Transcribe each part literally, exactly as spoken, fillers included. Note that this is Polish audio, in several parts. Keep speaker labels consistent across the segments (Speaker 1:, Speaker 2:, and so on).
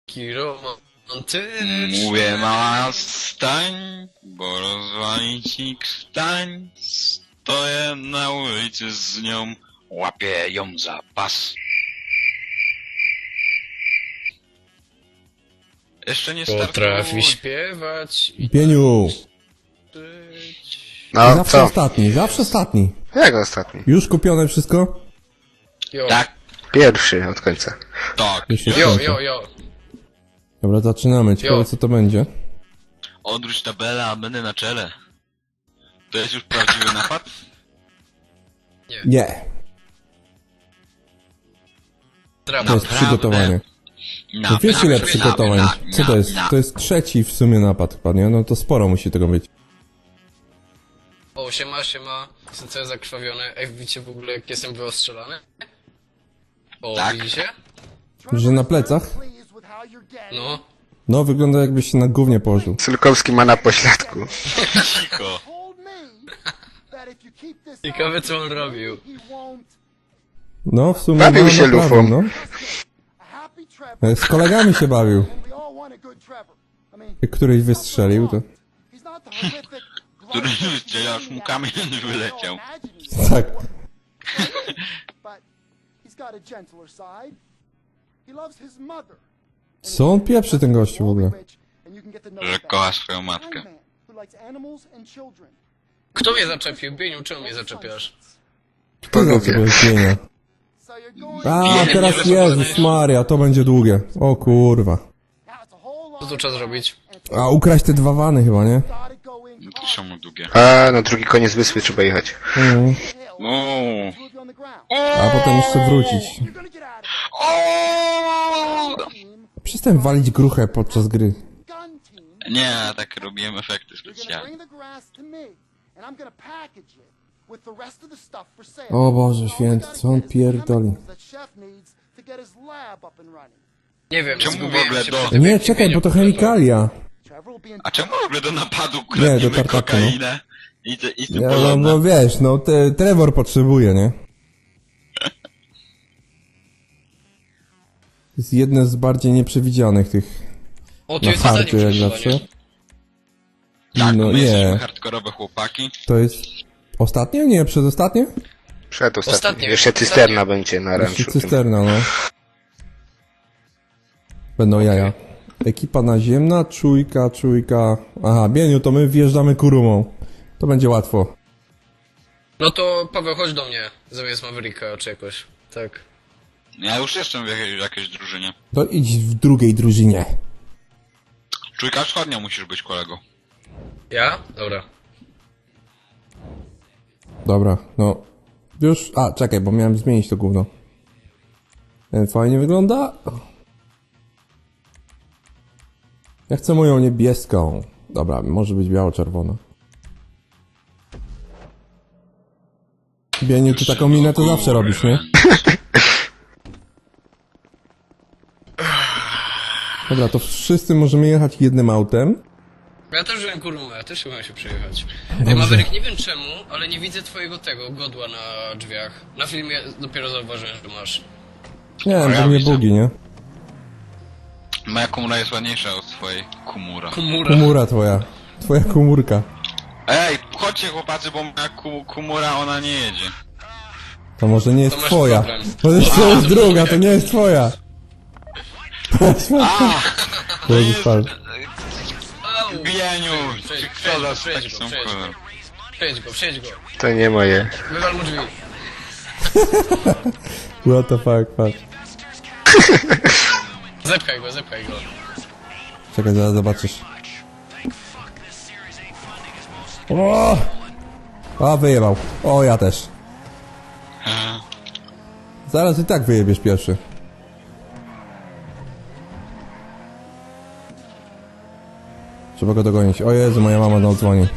Speaker 1: Taki romantyczny.
Speaker 2: Mówię, mała, stań, bo rozwali ci stań. Stoję na ulicy z nią, łapię ją za pas. Jeszcze nie startuj.
Speaker 1: Potrafi śpiewać i
Speaker 3: Pieniu!
Speaker 1: żyć.
Speaker 4: No,
Speaker 3: Zawsze
Speaker 4: co?
Speaker 3: ostatni, zawsze ostatni.
Speaker 4: Jak ostatni?
Speaker 3: Już kupione wszystko?
Speaker 1: Jo,
Speaker 2: Tak,
Speaker 4: Pierwszy od końca.
Speaker 2: tak.
Speaker 3: Już jest
Speaker 1: jo,
Speaker 3: końca.
Speaker 1: jo, jo.
Speaker 3: Dobra, zaczynamy. Ciekawe
Speaker 1: Jo.
Speaker 3: co to będzie.
Speaker 2: Odwróć tabelę, a będę na czele. To jest już prawdziwy napad?
Speaker 3: Nie. To
Speaker 1: Drama.
Speaker 3: jest przygotowanie.
Speaker 2: Na,
Speaker 3: No wiesz ile
Speaker 2: na-
Speaker 3: przygotowań?
Speaker 2: na-
Speaker 3: Co to
Speaker 2: na-
Speaker 3: jest?
Speaker 2: na-
Speaker 3: To jest trzeci w sumie napad chyba, nie? No to sporo musi tego być.
Speaker 1: O, siema, siema. Jestem cały zakrwawiony. Ej, widzicie w ogóle jak jestem wyostrzelany? O,
Speaker 2: Tak.
Speaker 1: widzicie?
Speaker 3: Że na plecach?
Speaker 1: No.
Speaker 3: No wygląda jakbyś się na gównie położył.
Speaker 4: Sylkowski ma na pośladku.
Speaker 2: Cicho.
Speaker 1: Ciekawe co on robił.
Speaker 3: No w sumie
Speaker 4: Bawił
Speaker 3: no,
Speaker 4: się
Speaker 3: naprawdę,
Speaker 4: lufą.
Speaker 3: no. Z kolegami się bawił. Jak któryś wystrzelił to...
Speaker 2: Który wystrzelił, aż mu kamień wyleciał.
Speaker 3: Tak. Co on pieprzy ten gościu w ogóle?
Speaker 2: Że kocha swoją matkę.
Speaker 1: Kto mnie zaczepił? Bieniu, czemu mnie zaczepiasz?
Speaker 3: Kto za tego istnienia? A, teraz Jezus Maria, to będzie długie. O kurwa.
Speaker 1: Co tu trzeba zrobić?
Speaker 3: A, ukraść te dwa wany chyba, nie?
Speaker 2: No to są długie.
Speaker 4: A, na drugi koniec wyspy trzeba jechać.
Speaker 3: Mhm.
Speaker 2: No.
Speaker 3: A potem jeszcze wrócić.
Speaker 2: O!
Speaker 3: Przestań walić gruchę podczas gry.
Speaker 2: Nie, tak robiłem efekty specjalne.
Speaker 3: O Boże święty, co on pierdoli.
Speaker 1: Nie wiem,
Speaker 2: Czemu w
Speaker 1: zgubiłem
Speaker 2: ogóle
Speaker 1: się
Speaker 2: do-
Speaker 1: przy tym,
Speaker 3: Nie,
Speaker 1: jak
Speaker 3: czekaj,
Speaker 1: Bieniu
Speaker 3: bo to
Speaker 1: powiedział.
Speaker 3: chemikalia.
Speaker 2: A czemu w ogóle do napadu
Speaker 3: Nie, do
Speaker 2: kradniemy
Speaker 3: tartaku,
Speaker 2: kokainę i, te, i tym
Speaker 3: Ja, no,
Speaker 2: podobne?
Speaker 3: no wiesz, no te, Trevor potrzebuje, nie? To jest jedne z bardziej nieprzewidzianych tych
Speaker 1: O, tu
Speaker 3: na
Speaker 1: jest zadanie
Speaker 3: hardzie jak
Speaker 1: przesuwanie.
Speaker 3: zawsze.
Speaker 2: Tak,
Speaker 3: No
Speaker 2: my jesteśmy
Speaker 3: nie.
Speaker 2: hardkorowe chłopaki.
Speaker 3: To jest ostatnie? Nie, przedostatnie?
Speaker 4: Przed ostatnim.
Speaker 1: Ostatni.
Speaker 4: Jeszcze cysterna będzie na
Speaker 3: Jeszcze
Speaker 4: ranczu.
Speaker 3: cysterna, no. Będą jaja. Ekipa naziemna, czujka, czujka. Aha, Bieniu, to my wjeżdżamy kurumą. To będzie łatwo.
Speaker 1: No to Paweł, chodź do mnie. Zamiast Mavericka czy jakoś. Tak.
Speaker 2: Ja już jestem w jakiejś, w jakiejś drużynie.
Speaker 3: To idź w drugiej drużynie.
Speaker 2: Czujka wschodnia musisz być, kolego.
Speaker 1: Ja? Dobra.
Speaker 3: Dobra, no. Już, a czekaj, bo miałem zmienić to gówno. Ten fajnie wygląda. Ja chcę moją niebieską. Dobra, może być biało-czerwona. Bieniu, ty taką minę to zawsze robisz, nie? Dobra, to wszyscy możemy jechać jednym autem.
Speaker 1: Ja też wziąłem kurumę, ja też chciałem się przejechać. Ej, Maverick, nie wiem czemu, ale nie widzę twojego tego godła na drzwiach. Na filmie dopiero zauważyłem, że masz.
Speaker 3: Nie wiem,
Speaker 2: ja
Speaker 3: to mnie
Speaker 2: widzę.
Speaker 3: bugi, nie?
Speaker 2: Moja komura jest ładniejsza od twojej kumura.
Speaker 1: Kumura.
Speaker 3: Komura twoja. Twoja komórka.
Speaker 2: Ej, chodźcie chłopacy, bo moja ku, kumura, ona nie jedzie.
Speaker 3: To może nie jest
Speaker 1: To masz
Speaker 3: twoja.
Speaker 1: problem.
Speaker 3: Może to jest druga, to nie jest twoja.
Speaker 2: A! To
Speaker 3: Jezus,
Speaker 2: jest...
Speaker 3: pan.
Speaker 1: Au!
Speaker 2: Bieniu!
Speaker 1: Przejdź,
Speaker 2: Czy
Speaker 1: przejdź
Speaker 2: kto
Speaker 1: go,
Speaker 2: za
Speaker 1: przejdź
Speaker 2: taki
Speaker 1: go,
Speaker 2: sam
Speaker 1: przejdź go.
Speaker 2: kolor?
Speaker 1: Przejdź go, przejdź go.
Speaker 4: To nie moje.
Speaker 1: Wywal mu drzwi.
Speaker 3: What the fuck, fuck.
Speaker 1: Zepchaj go, zepchaj go.
Speaker 3: Czekaj, zaraz zobaczysz. O! A, wyjebał. O, ja też.
Speaker 2: Aha.
Speaker 3: Zaraz i tak wyjebiesz pierwszy. Trzeba go dogonić. O Jezu, moja mama do dzwoni.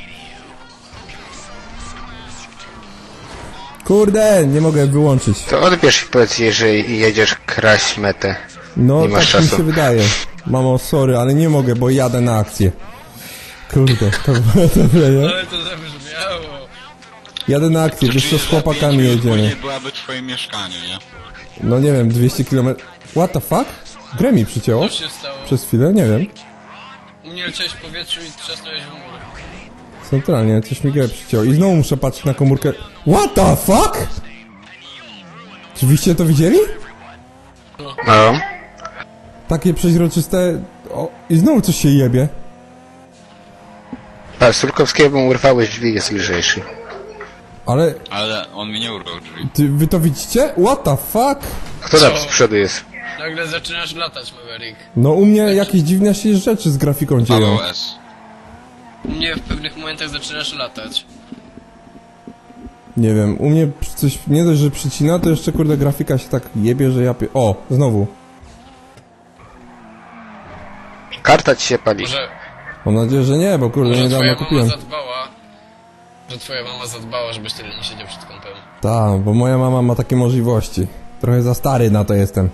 Speaker 3: Kurde, nie mogę wyłączyć.
Speaker 4: To odbierz i powiedz jej, że jedziesz kraść metę.
Speaker 3: No,
Speaker 4: Nie masz
Speaker 3: tak mi
Speaker 4: czasu.
Speaker 3: się wydaje. Mamo, sorry, ale nie mogę, bo jadę na akcję. Kurde, to było dobre, nie?
Speaker 1: Ale to zabrzmiało.
Speaker 3: Jadę na akcję, wiesz co, z chłopakami jedziemy.
Speaker 2: Nie byłaby twoje mieszkanie, nie?
Speaker 3: No nie wiem, dwieście kilometrów. What the fuck? Grę mi przycięło?
Speaker 1: Co się stało?
Speaker 3: Przez chwilę? Nie wiem.
Speaker 1: U mnie leciałeś w powietrzu i trzasnąłeś w mur.
Speaker 3: Centralnie, coś mi grę przycięło. I znowu muszę patrzeć na komórkę. What the fuck? Oczywiście to widzieli?
Speaker 4: No.
Speaker 3: Takie przeźroczyste... O, i znowu coś się jebie.
Speaker 4: Patrz, Sulkowskiego urwałeś drzwi, jest lżejszy.
Speaker 3: Ale...
Speaker 2: Ale on mi nie urwał drzwi.
Speaker 3: Ty, wy to widzicie? What the fuck?
Speaker 4: Kto tam
Speaker 1: Co?
Speaker 4: z przodu jest?
Speaker 1: Nagle zaczynasz latać, Maverick.
Speaker 3: No u mnie jakieś dziwne się rzeczy z grafiką dzieją.
Speaker 2: Paweł S.
Speaker 1: U mnie w pewnych momentach zaczynasz latać.
Speaker 3: Nie wiem, u mnie coś nie dość, że przycina, to jeszcze kurde grafika się tak jebie, że ja pie... O, znowu.
Speaker 4: Karta ci się pali.
Speaker 1: Może,
Speaker 3: Mam nadzieję, że nie, bo kurde
Speaker 1: może
Speaker 3: niedawno
Speaker 1: twoja mama
Speaker 3: kupiłem.
Speaker 1: zadbała, że twoja mama zadbała, żebyś tyle nie siedział przed kąpem.
Speaker 3: Tak, bo moja mama ma takie możliwości. Trochę za stary na to jestem.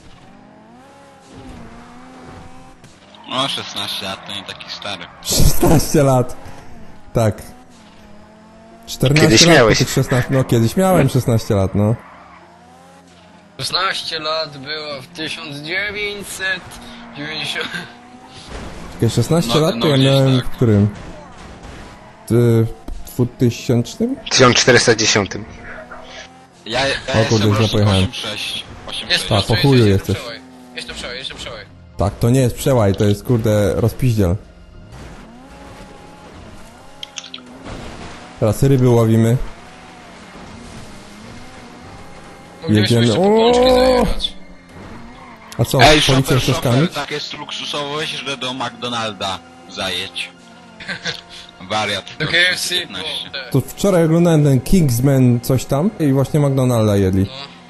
Speaker 2: No, szesnaście lat to nie taki stary.
Speaker 3: szesnaście lat. Tak. czternaście
Speaker 4: Kiedyś
Speaker 3: lat,
Speaker 4: miałeś.
Speaker 3: po tych szesnaście, no kiedyś miałem szesnaście lat, no.
Speaker 1: szesnaście lat było w tysiąc dziewięćset dziewięćdziesiątym...
Speaker 3: Takie szesnaście
Speaker 2: No,
Speaker 3: lat to
Speaker 2: no
Speaker 3: ja
Speaker 2: gdzieś
Speaker 3: miałem
Speaker 2: tak.
Speaker 3: w którym? W dwutysięcznym?
Speaker 4: tysiąc czterysta dziesięć.
Speaker 2: Ja, ja
Speaker 3: O
Speaker 2: jestem
Speaker 3: kurde, źle
Speaker 2: rocznik
Speaker 3: pojechałem.
Speaker 2: osiem sześć. osiem
Speaker 1: Jest
Speaker 2: sześć.
Speaker 3: A, po chuju
Speaker 1: jest
Speaker 3: jesteś.
Speaker 1: przełaj. Jest to przełaj, jest to przełaj.
Speaker 3: Tak, to nie jest przełaj, to jest kurde rozpiździel. Teraz ryby łowimy.
Speaker 1: Moglibyśmy
Speaker 3: Jedziemy.
Speaker 1: jeszcze po pączki
Speaker 3: O!
Speaker 1: zajechać.
Speaker 3: A co,
Speaker 2: Ej,
Speaker 3: policja
Speaker 2: szofer,
Speaker 3: z czaszkami?
Speaker 2: szofer, tak jest luksusowość, że do McDonalda zajedź. Wariat.
Speaker 1: Do K F C,
Speaker 2: piętnaście.
Speaker 1: bo te...
Speaker 3: To wczoraj oglądałem ten Kingsman coś tam i właśnie McDonalda jedli.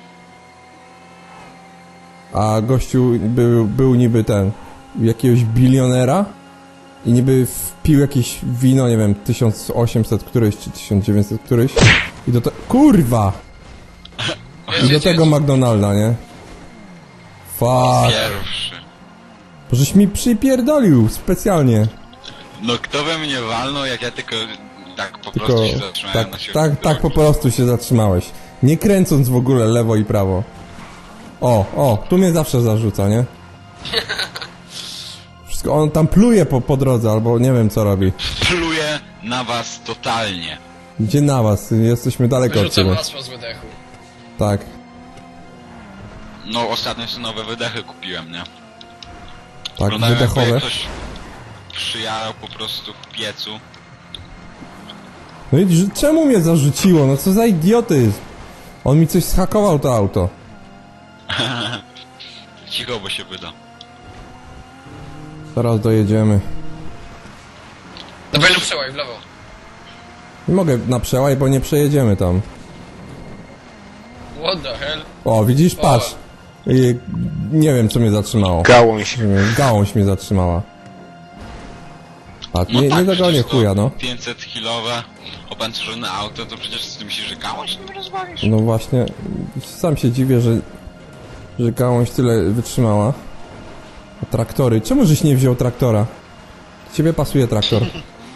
Speaker 3: A gościu był, był niby ten, jakiegoś bilionera i niby wpił jakieś wino, nie wiem, tysiąc osiemset któryś czy tysiąc dziewięćset któryś i do te... Kurwa! I do tego McDonalda, nie? Fuck.
Speaker 2: Pierwszy.
Speaker 3: Żeś mi przypierdolił specjalnie.
Speaker 2: No kto we mnie walnął, jak ja tylko tak po
Speaker 3: Tylko
Speaker 2: prostu się zatrzymałem
Speaker 3: tak,
Speaker 2: na środku
Speaker 3: tak, tak po
Speaker 2: drogi.
Speaker 3: prostu się zatrzymałeś. Nie kręcąc w ogóle lewo i prawo. O, o, tu mnie zawsze zarzuca, nie? Wszystko, on tam pluje po, po drodze, albo nie wiem co robi.
Speaker 2: Pluję na was totalnie.
Speaker 3: Gdzie na was? Jesteśmy daleko od
Speaker 1: Wyrzucam
Speaker 3: ciebie.
Speaker 1: masło z wydechu.
Speaker 3: Tak.
Speaker 2: No ostatnio sobie nowe wydechy kupiłem, nie?
Speaker 3: Tak,
Speaker 2: Wyglądają jakby
Speaker 3: wydechowe.
Speaker 2: ktoś przyjarał po prostu w piecu.
Speaker 3: No i że- czemu mnie zarzuciło? No co za idiotyzm? On mi coś zhakował to auto.
Speaker 2: Cicho, bo się wyda.
Speaker 3: Zaraz dojedziemy.
Speaker 1: Na pewno przełaj, w lewo.
Speaker 3: Nie mogę na przełaj, bo nie przejedziemy tam.
Speaker 1: What the hell?
Speaker 3: O, widzisz? Patrz. I, nie wiem co mnie zatrzymało.
Speaker 4: Gałąź.
Speaker 3: Nie wiem, gałąź mnie zatrzymała. A, nie, nie dogonię
Speaker 2: No przecież to
Speaker 3: chuja, no.
Speaker 2: pięćset kilowe opancerzone auto, to przecież ty myślisz, że gałąź nie rozwalisz?
Speaker 3: No właśnie, sam się dziwię, że, że gałąź tyle wytrzymała. A traktory, czemu żeś nie wziął traktora? Ciebie pasuje traktor.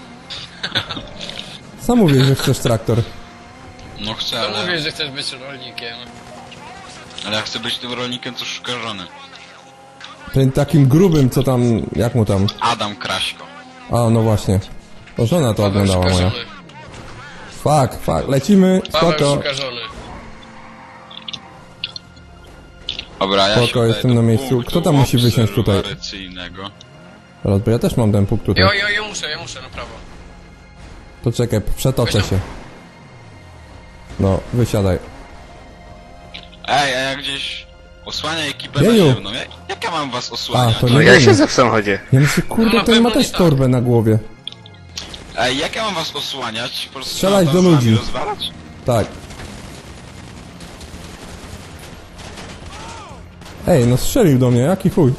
Speaker 3: Sam mówię, że chcesz traktor.
Speaker 2: No chcę,
Speaker 1: To
Speaker 2: ale,
Speaker 1: mówię, że chcesz być rolnikiem.
Speaker 2: ale ja chcę być tym rolnikiem, co szuka żony.
Speaker 3: Ten takim grubym, co tam, jak mu tam?
Speaker 2: Adam Kraśko.
Speaker 3: A, no właśnie. To żona to
Speaker 1: Paweł
Speaker 3: oglądała
Speaker 1: szuka
Speaker 3: moja.
Speaker 1: żony.
Speaker 3: Fuck, fuck, lecimy,
Speaker 1: Paweł
Speaker 3: spoko.
Speaker 1: szuka żony.
Speaker 2: Dobra, ja
Speaker 3: Spoko,
Speaker 2: się udaję
Speaker 3: jestem
Speaker 2: do
Speaker 3: na miejscu.
Speaker 2: punktu
Speaker 3: Kto tam musi wysiąść tutaj?
Speaker 2: obserwacyjnego.
Speaker 3: Teraz, bo ja też mam ten punkt tutaj.
Speaker 1: Jo, jo, jo, muszę, ja muszę, na prawo.
Speaker 3: To czekaj, przetoczę
Speaker 1: Weź tam.
Speaker 3: się. No, wysiadaj.
Speaker 2: Ej, a ja gdzieś osłania ekipę
Speaker 3: Jeju.
Speaker 2: naziemną. Jak, jak ja mam was osłaniać?
Speaker 3: A, to
Speaker 4: No
Speaker 3: nie
Speaker 4: ja
Speaker 3: wiem.
Speaker 4: siedzę w samochodzie.
Speaker 3: Ja myślę, kurde,
Speaker 1: No, na
Speaker 3: ten ma
Speaker 1: pewno
Speaker 3: też
Speaker 1: nie tak.
Speaker 3: torbę na głowie.
Speaker 2: Ej, jak ja mam was osłaniać? Po prostu
Speaker 3: Strzelać
Speaker 2: mam
Speaker 3: do
Speaker 2: tam z wami
Speaker 3: ludzi.
Speaker 2: rozwalać?
Speaker 3: Tak. Ej, no strzelił do mnie, jaki chuj.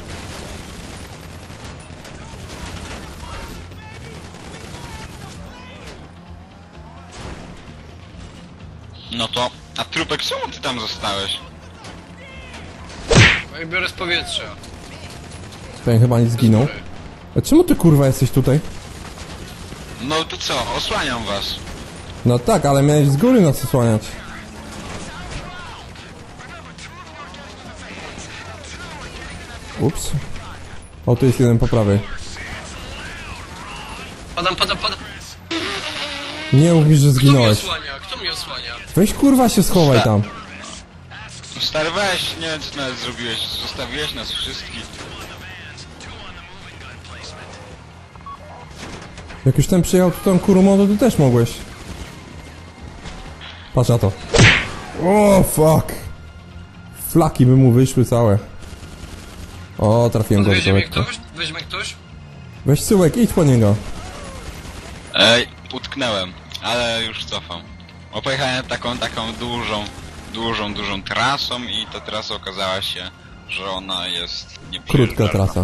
Speaker 2: No to... A Trupek, czemu ty tam zostałeś?
Speaker 1: No i biorę z powietrza.
Speaker 3: Ten chyba nie zginął. A czemu ty kurwa jesteś tutaj?
Speaker 2: No to co? Osłaniam was.
Speaker 3: No tak, ale miałeś z góry nas osłaniać. Ups. O, tu jest jeden po prawej.
Speaker 1: Padam, padam, padam.
Speaker 3: Nie mów mi, że
Speaker 1: Kto mnie
Speaker 3: zginąłeś.
Speaker 1: osłania? Kto mnie osłania?
Speaker 3: Weź kurwa się schowaj tam.
Speaker 2: Stary, weź, nie wiem co ty nawet zrobiłeś, zostawiłeś nas wszystkich.
Speaker 3: Jak już ten przyjechał tu tą kurumą, to ty też mogłeś. Patrz na to. O, fuck. Flaki by mu wyszły całe. O, trafiłem go
Speaker 1: Weźmie mnie
Speaker 3: lekko.
Speaker 1: ktoś? Weźmie ktoś?
Speaker 3: Weź Syłek, idź po niego.
Speaker 2: Ej, utknęłem, ale już cofam. Bo pojechałem taką, taką dużą, dużą, dużą trasą i ta trasa okazała się, że ona jest nieprzejeżdżalna.
Speaker 3: Krótka trasa.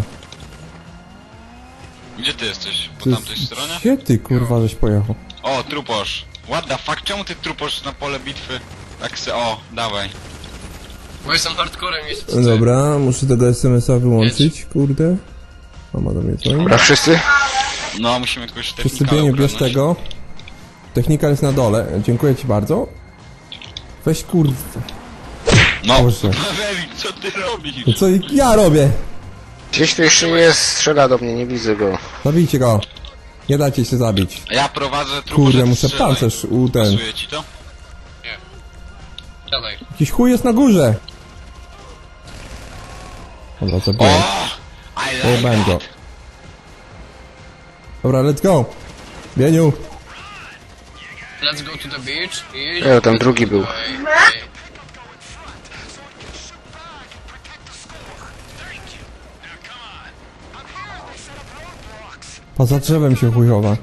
Speaker 2: Gdzie ty jesteś? Po
Speaker 3: To
Speaker 2: tamtej
Speaker 3: jest-
Speaker 2: stronie?
Speaker 3: Gdzie ty kurwa żeś pojechał?
Speaker 2: O, truposz. What the fuck, czemu ty truposz na pole bitwy? Tak se, o, dawaj.
Speaker 1: Bo jestem hardcorem, jest
Speaker 3: No dobra, muszę tego es em es a wyłączyć, kurde. Mama do mnie dzwoni.
Speaker 4: Dobra, wszyscy?
Speaker 2: No, musimy jakoś technika
Speaker 3: Przysypieniu, bierz
Speaker 2: ogarnąć.
Speaker 3: tego. Technika jest na dole, dziękuję ci bardzo. Weź kurde.
Speaker 2: No,
Speaker 3: Boże.
Speaker 2: Maverick, co ty robisz?
Speaker 3: No co ja robię?
Speaker 4: Gdzieś tu jeszcze jest, strzela do mnie, nie widzę go.
Speaker 3: Zabijcie go. Nie dajcie się zabić.
Speaker 2: Ja prowadzę truposz.
Speaker 3: Kurde, muszę pancerz u ten.
Speaker 2: Pasuje ci to?
Speaker 1: Nie. Siadaj.
Speaker 3: Jakiś chuj jest na górze. Dobra,
Speaker 2: O!
Speaker 3: zabiłem.
Speaker 2: I
Speaker 3: Pojebałem
Speaker 2: like
Speaker 3: go.
Speaker 2: that.
Speaker 3: Dobra, let's go. Bieniu.
Speaker 1: Let's go to the beach i...
Speaker 4: E, tam drugi był.
Speaker 1: Ej, ej.
Speaker 3: Poza drzewem się chujowa.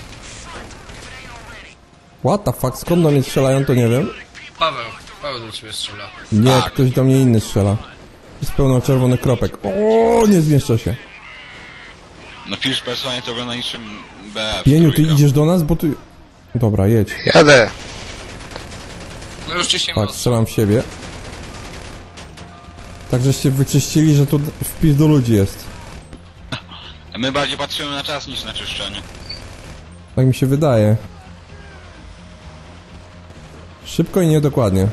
Speaker 3: What the fuck, skąd do mnie strzelają, to nie wiem.
Speaker 1: Paweł, Paweł do ciebie strzela.
Speaker 3: Nie,
Speaker 2: Tak.
Speaker 3: ktoś do mnie inny strzela. Jest pełno czerwonych kropek. O, nie zmieszczę się.
Speaker 2: No pisz personalnie to wygląda niczym B F.
Speaker 3: Bieniu, ty
Speaker 2: trójka.
Speaker 3: idziesz do nas, bo ty... Dobra, jedź.
Speaker 4: Jadę.
Speaker 1: No już ci się
Speaker 3: Tak,
Speaker 1: moc.
Speaker 3: strzelam w siebie. Tak, żeście wyczyścili, że tu wpis do ludzi jest.
Speaker 2: My bardziej patrzymy na czas niż na czyszczenie.
Speaker 3: Tak mi się wydaje. Szybko i niedokładnie.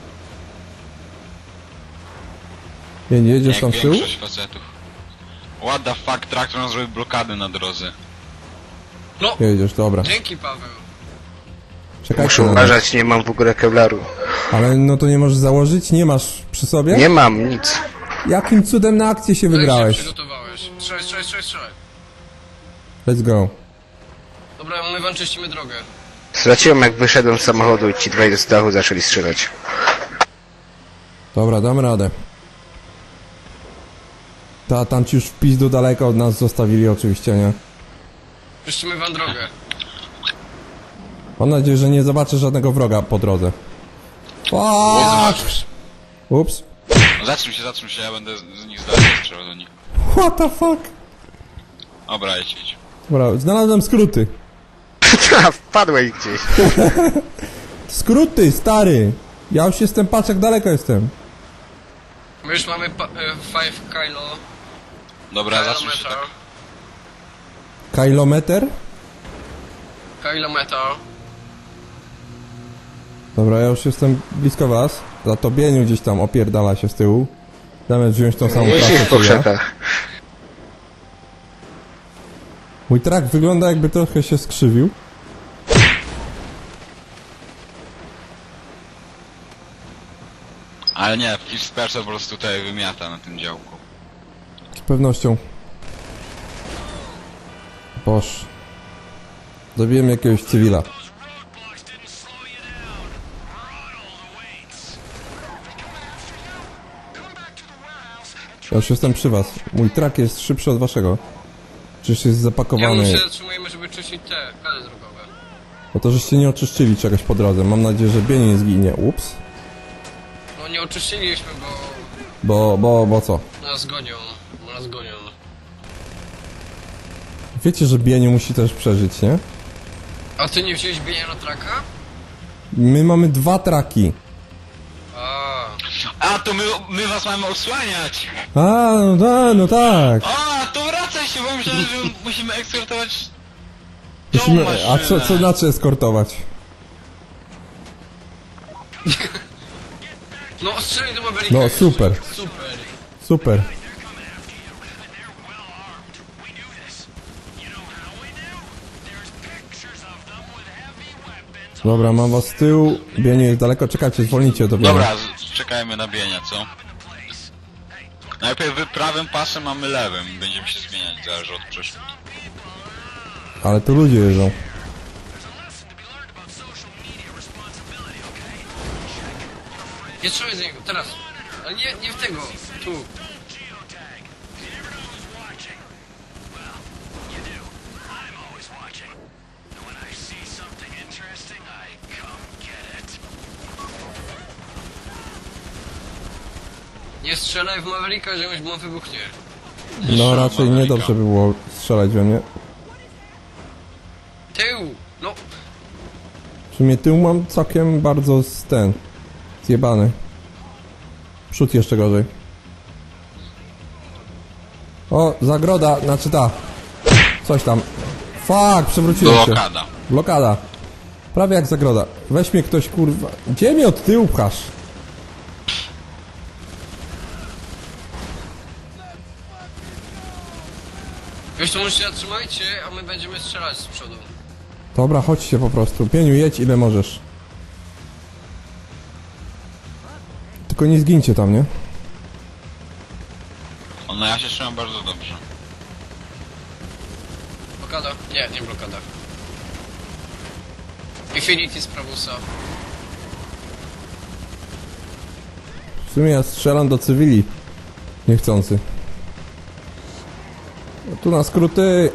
Speaker 3: Nie, nie jedziesz
Speaker 2: Jak
Speaker 3: tam w tył?
Speaker 2: większość facetów. What the fuck, traktor nam zrobił blokady na drodze.
Speaker 1: No,
Speaker 3: Jedziesz, dobra.
Speaker 1: dzięki Paweł.
Speaker 3: Czekajcie
Speaker 4: Muszę
Speaker 3: na nas.
Speaker 4: uważać, nie mam w ogóle kevlaru.
Speaker 3: Ale no to nie możesz założyć? Nie masz przy sobie?
Speaker 4: Nie mam, nic.
Speaker 3: Jakim cudem na akcję się
Speaker 1: Jak się
Speaker 3: wybrałeś?
Speaker 1: przygotowałeś? Strzelaj, strzelaj, strzelaj, strzelaj.
Speaker 3: Let's go.
Speaker 1: Dobra, my wam czyścimy drogę.
Speaker 4: Straciłem jak wyszedłem z samochodu i ci dwaj z dachu zaczęli strzelać.
Speaker 3: Dobra, dam radę. Ta, tam ci już wpis do daleka od nas zostawili oczywiście, nie?
Speaker 1: Czyścimy wam drogę.
Speaker 3: Mam nadzieję, że nie zobaczę żadnego wroga po drodze.
Speaker 1: Nie
Speaker 3: Fuck!
Speaker 1: zobaczysz.
Speaker 3: Ups.
Speaker 2: No zatrzym się, zatrzym się, ja będę z z nich zdalnie strzelał do nich.
Speaker 3: What the fuck?
Speaker 2: Dobra, jedź, jedź.
Speaker 3: Dobra, znalazłem skróty.
Speaker 4: Wpadłeś gdzieś.
Speaker 3: Skróty, stary! Ja już jestem, patrz jak daleko jestem.
Speaker 1: My już mamy pa- e, five kilo.
Speaker 2: Dobra, zatrzym się
Speaker 1: Kilometer.
Speaker 2: tak.
Speaker 3: Kilometr?
Speaker 1: Kilometer.
Speaker 3: Dobra, ja już jestem blisko was. Za to Bieniu gdzieś tam opierdala się z tyłu. Zamiast wziąć tą samą
Speaker 4: Jeździsz
Speaker 3: trasę
Speaker 4: po
Speaker 3: co ja.
Speaker 4: krzakach.
Speaker 3: Mój trak wygląda jakby trochę się skrzywił.
Speaker 2: Ale nie, Fish Spersa po prostu tutaj wymiata na tym działku.
Speaker 3: Z pewnością. Boż. Zabiłem jakiegoś cywila. Ja już jestem przy was. Mój trak jest szybszy od waszego. Czyż jest
Speaker 1: Ja
Speaker 3: zapakowany?
Speaker 1: my się zatrzymujemy, żeby czyścić te kale drogowe.
Speaker 3: Bo to żeście nie oczyszczyli czegoś po drodze. Mam nadzieję, że Bieniu nie zginie. Ups.
Speaker 1: No nie oczyściliśmy, bo
Speaker 3: Bo, bo, bo co?
Speaker 1: nas gonią. Bo nas gonią.
Speaker 3: Wiecie, że Bieniu musi też przeżyć, nie?
Speaker 1: A ty nie wziąłeś bienia na traka?
Speaker 3: My mamy dwa traki.
Speaker 1: A,
Speaker 2: A, to my, my was mamy osłaniać!
Speaker 3: A, no tak, no tak.
Speaker 2: A, to wracaj się, bo myślałem, że musimy ekskortować tą
Speaker 3: Musimy,
Speaker 2: maszynę.
Speaker 3: a co, co znaczy eskortować?
Speaker 1: no strzelaj do Mavericka
Speaker 3: No
Speaker 1: już.
Speaker 3: super,
Speaker 1: Super.
Speaker 3: super. Dobra, mam was z tyłu. Bienie jest daleko, czekajcie, zwolnijcie do bienia.
Speaker 2: Dobra, z- czekajmy na bienia, co? Najpierw wy prawym pasem, a my lewym. Będziemy się zmieniać, zależy od przeszkód.
Speaker 3: Ale tu ludzie jeżdżą.
Speaker 1: Nie strzelaj z niego, teraz. Ale nie, nie w tego. Tu. Nie strzelaj w Mavericka, ziomuś, bo on wybuchnie.
Speaker 3: No raczej niedobrze by było strzelać we mnie.
Speaker 1: Tył! No,
Speaker 3: W sumie tył mam całkiem bardzo z ten... zjebany. Przód jeszcze gorzej. O, zagroda, znaczy ta. Coś tam. Fuck, przewróciłem się.
Speaker 2: Blokada.
Speaker 3: Blokada. Prawie jak zagroda. Weź mnie ktoś, kurwa. Gdzie mnie od tyłu pchasz?
Speaker 1: już to może się zatrzymajcie, a my będziemy strzelać z przodu.
Speaker 3: Dobra, chodźcie po prostu. Pieniu, jedź ile możesz. Tylko nie zgincie tam, nie?
Speaker 2: O, no ja się trzymam bardzo dobrze.
Speaker 1: Blokada? Nie, nie blokada. Infinity z prawusa.
Speaker 3: W sumie ja strzelam do cywili. Niechcący. No tu na skróty.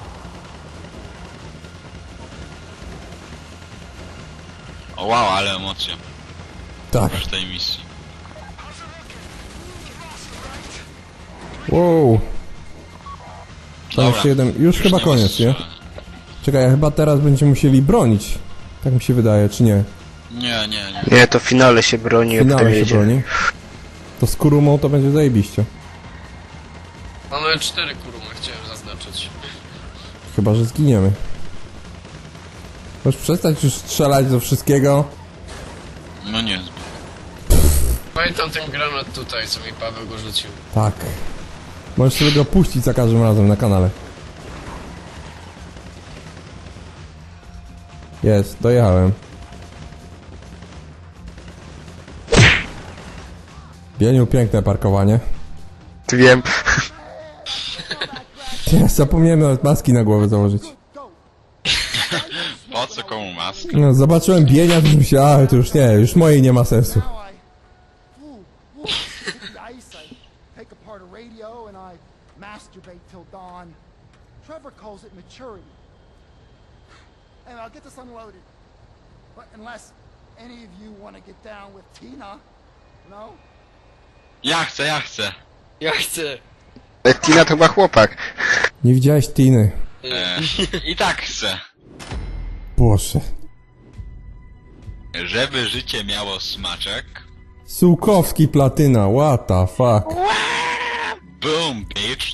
Speaker 2: O wow, ale emocje.
Speaker 3: Tak.
Speaker 2: W tej misji.
Speaker 3: Wow. Tam
Speaker 2: Dobra,
Speaker 3: jeszcze jeden. Już,
Speaker 2: już
Speaker 3: chyba
Speaker 2: nie ma
Speaker 3: koniec, nie?
Speaker 2: strzelania.
Speaker 3: Czekaj, ja chyba teraz będziemy musieli bronić. Tak mi się wydaje, czy nie?
Speaker 2: Nie, nie, nie.
Speaker 4: Nie, to w finale się broni,
Speaker 3: W
Speaker 4: jak tam
Speaker 3: finale się
Speaker 4: jedzie.
Speaker 3: broni. To z kurumą to będzie zajebiście.
Speaker 1: Mamy cztery kurumy, chciałem zaznaczyć.
Speaker 3: Chyba, że zginiemy. Możesz przestać już strzelać do wszystkiego.
Speaker 2: No nie.
Speaker 1: Pamiętam ten granat tutaj, co mi Paweł go rzucił.
Speaker 3: Tak. Możesz sobie go puścić za każdym razem na kanale. Jest, dojechałem. Bieniu, piękne parkowanie.
Speaker 4: Wiem.
Speaker 3: Nie, zapomniałem nawet maski na głowę założyć.
Speaker 2: Po co komu maski?
Speaker 3: No, zobaczyłem Bienia, to myślałem, ale to już nie, już mojej nie ma sensu.
Speaker 5: Now I, ooh, ooh, hit the ice, I take apart a radio and I masturbate till dawn. Trevor calls it maturity. And I'll get this unloaded. But unless any of you want to get down with Tina, no?
Speaker 2: Ja chcę, ja chcę.
Speaker 1: Ja chcę.
Speaker 4: Ale Tina to chyba chłopak.
Speaker 3: Nie widziałeś Tiny.
Speaker 2: E, I tak chcę.
Speaker 3: Boże.
Speaker 2: Żeby życie miało smaczek.
Speaker 3: Sułkowski platyna, what the fuck.
Speaker 2: Boom, bitch.